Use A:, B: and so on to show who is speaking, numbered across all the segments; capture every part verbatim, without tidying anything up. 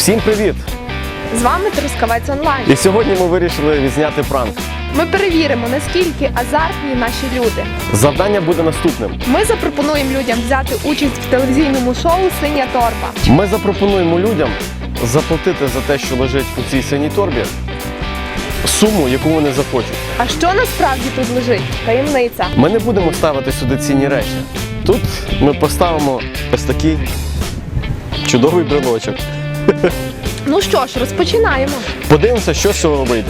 A: Всім привіт!
B: З вами Трускавець онлайн.
A: І сьогодні ми вирішили відзняти пранк.
B: Ми перевіримо, наскільки азартні наші люди.
A: Завдання буде наступним.
B: Ми запропонуємо людям взяти участь в телевізійному шоу «Синя торба».
A: Ми запропонуємо людям заплатити за те, що лежить у цій синій торбі, суму, яку вони захочуть.
B: А що насправді тут лежить? Таємниця.
A: Ми не будемо ставити сюди цінні речі. Тут ми поставимо ось такий чудовий брелочок.
B: Ну що ж, розпочинаємо.
A: Подивимося, що з цього вийде.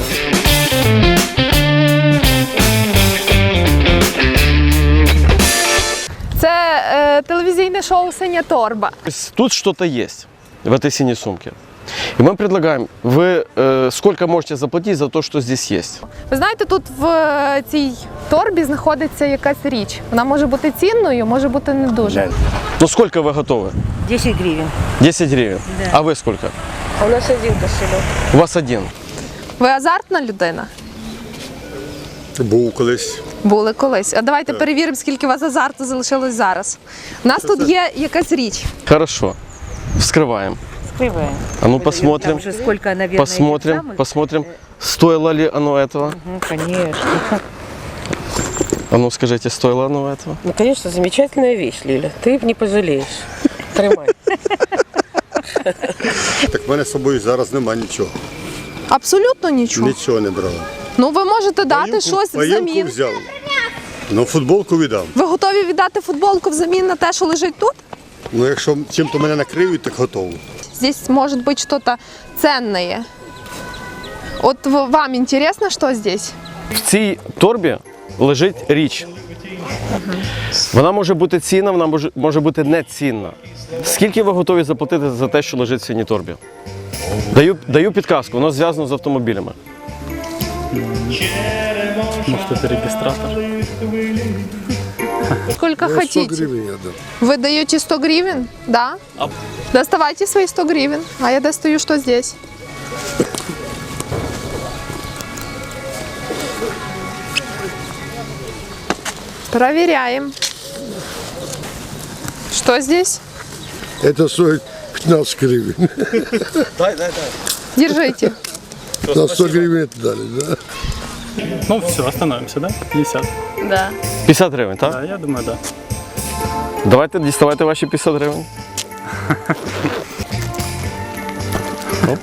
B: Це е, телевізійне шоу «Синя торба».
A: Тут что-то есть в этой синей сумке. И мы предлагаем, вы э, сколько можете заплатить за то, что здесь есть?
B: Ви знаєте, тут в е, цій торбі знаходиться якась річ. Вона може бути цінною, може бути не дуже.
A: Ну сколько вы готовы?
C: десять гривен.
A: десять гривен.
C: Да.
A: А вы сколько?
C: А у нас один кошелек.
A: У вас один.
B: Ви азартна людина?
D: Був колись.
B: Були колись. А давайте перевіримо, скільки у вас азарту залишилось зараз. У нас тут є якась річ.
A: Хорошо. Вскрываем.
C: Скрываем.
A: А ну посмотрим.
C: Там же сколько, наверное,
A: Посмотрим,
C: этих самых.
A: посмотрим, стоило ли оно этого.
C: Ну, конечно.
A: А ну скажите, стоило оно этого?
E: Ну, конечно, замечательная вещь, Лиля. Ты не пожалеешь. Тримай.
D: Так в мене з собою зараз нема нічого.
B: Абсолютно нічого.
D: Нічого не брав.
B: Ну ви можете дати
D: Паївку-
B: щось
D: паївку
B: взамін.
D: взяв. Ну, футболку віддам.
B: Ви готові віддати футболку взамін на те, що лежить тут?
D: Ну, якщо чим-то мене накриють, так готово.
B: Здесь может быть что-то ценное. Вот в- вам интересно, что здесь?
A: В цій торбі лежить річ. Вона може бути цінна, вона може, може бути не цінна. Скільки ви готові заплатити за те, що лежить в синій торбі? Даю, даю підказку, воно зв'язано з автомобілями.
F: Может, это регистратор?
B: Сколько хотите?
D: гривень я дам.
B: Вы даете сто гривен? Да? Доставайте свои сто гривен, а я достаю, что здесь. Проверяем. Что здесь?
G: Это стоит пятнадцать гривен.
B: Держите.
G: На сто гривен это дали, да?
F: Ну все, остановимся, да? пятьдесят.
B: Да.
A: п'ятдесят гривень, так?
F: Да, я думаю, да.
A: Давайте діставайте ваші п'ятдесят гривень. Оп.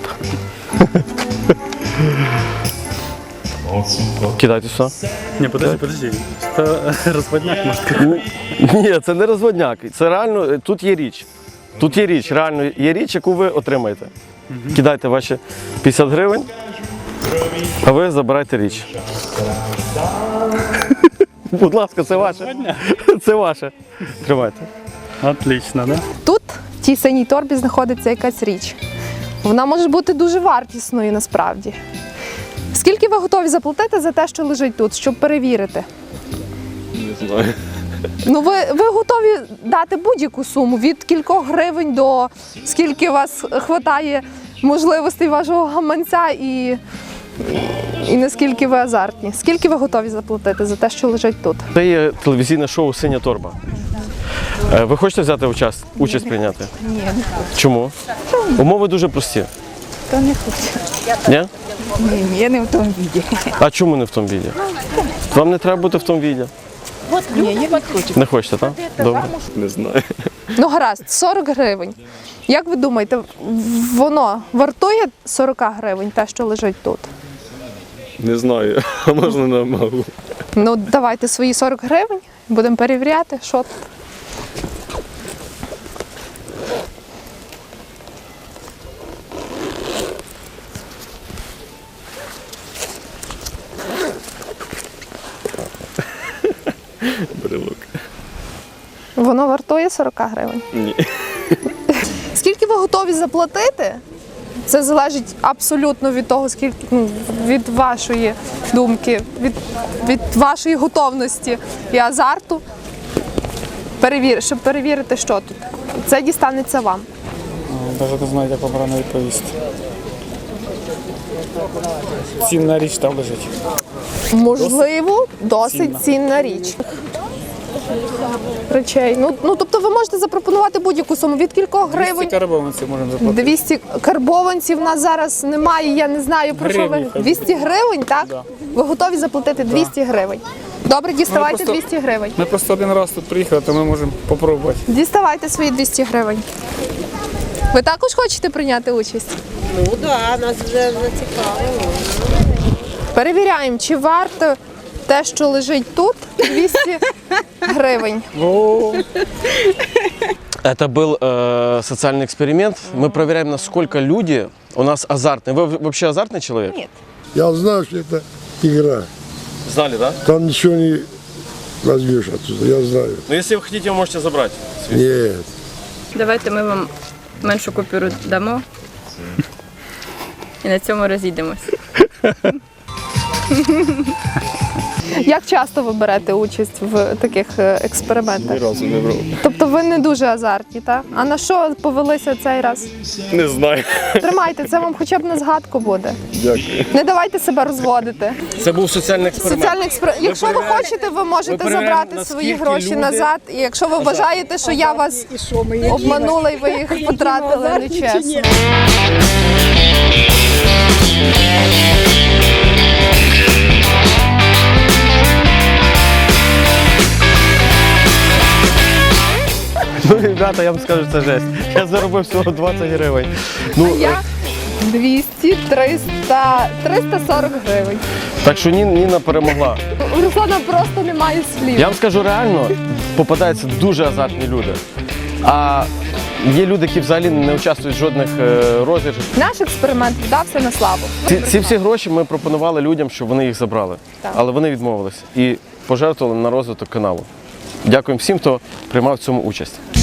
A: Кидайте сюди.
F: Не, подожди, подожди. Что разводняк, может, как?
A: Ну, ні, це не розводняк. Це реально, тут є річ. Тут є річ, реально є річ, яку ви отримаєте. Кидайте ваші п'ятдесят гривень, а ви забирайте річ. Будь ласка, це ваше. Це ваше. Тримайте.
F: Отлично, да?
B: Тут в тій синій торбі знаходиться якась річ. Вона може бути дуже вартісною насправді. Скільки ви готові заплатити за те, що лежить тут, щоб перевірити?
A: Не знаю.
B: Ну, ви, ви готові дати будь-яку суму від кількох гривень до скільки у вас вистачає можливостей вашого гаманця і, і наскільки ви азартні. Скільки ви готові заплатити за те, що лежить тут?
A: Це є телевізійне шоу «Синя торба». Е, Ви хочете взяти участь, участь прийняти? Ні, не хочу. Чому? Умови дуже прості.
C: Та не хочу.
A: Ні?
C: Ні, я не в тому віді.
A: А чому не в тому віді? Вам не треба бути в тому віді.
C: Ні, я не хочу.
A: Не хочете, так? Добре. Не знаю.
B: Ну, гаразд, сорок гривень. Як ви думаєте, воно вартує сорок гривень, те, що лежить тут?
H: Не знаю, а можна на магу.
B: Ну, давайте свої сорок гривень, будемо перевіряти, що тут.
H: Брелок.
B: Воно вартує сорок гривень.
H: Ні.
B: Скільки ви готові заплатити? Це залежить абсолютно від того, скільки ну, від вашої думки, від, від вашої готовності і азарту. Перевір, щоб перевірити, що тут. Це дістанеться вам.
F: Навіть не знаю, як обрано відповісти. Цінна річ там лежить.
B: Можливо, досить
F: цінна.
B: цінна річ. речей. Ну, ну тобто ви можете запропонувати будь-яку суму. Від кількох гривень?
F: карбованців можемо заплатити.
B: двісті карбованців в нас зараз немає, я не знаю про що
F: Гривні,
B: ви.
F: хай
B: двісті гривень, так?
F: Да.
B: Ви готові заплатити двісті гривень. Добре, діставайте
F: просто-
B: двісті гривень.
F: Ми просто один раз тут приїхали, то ми можемо попробувати.
B: Діставайте свої двісті гривень. Ви також хочете прийняти участь?
E: Ну так, да, нас вже зацікавило.
B: Перевіряємо, чи варто те, що лежить тут, двісті гривень.
A: Это был э, социальный эксперимент. Мы проверяем, насколько люди у нас азартные. Вы вообще азартный человек?
B: Нет.
G: Я знаю, что это игра.
A: Знали, да?
G: Там ничего не возьмешь отсюда, я знаю.
A: Ну, если вы хотите, вы можете забрать.
G: Нет.
I: Давайте ми вам меншу купюру дамо і на цьому розійдемось.
B: Як часто ви берете участь в таких е, експериментах?
H: разу не брав.
B: Тобто ви не дуже азартні, так? А на що повелися цей раз?
H: Не знаю.
B: Тримайте, це вам хоча б на згадку буде.
H: Дякую.
B: Не давайте себе розводити.
A: Це був соціальний експеримент.
B: Соціальний експеримент. Якщо ви
A: перевіряємо-
B: хочете, ви можете
A: перевіряємо,
B: забрати свої
A: наскільки
B: гроші
A: люди
B: назад. І якщо ви вважаєте, що я вас обманула і ви їх потратили нечесно.
A: Ну, ребята, я вам скажу, це жесть. Я заробив всього двадцять гривень. Ну, е,
B: Я двісті, триста, триста сорок гривень.
A: так що Ні- Ніна перемогла.
B: У Руслана просто немає слів.
A: Я вам скажу реально, попадаються дуже азартні люди. А є люди, які взагалі не участвують в жодних е, розіграшах.
B: Наш експеримент вдався на славу.
A: Ці, ці всі гроші ми пропонували людям, щоб вони їх забрали.
B: Так.
A: Але вони відмовилися і пожертвували на розвиток каналу. Дякуємо всім, хто приймав в цьому участь.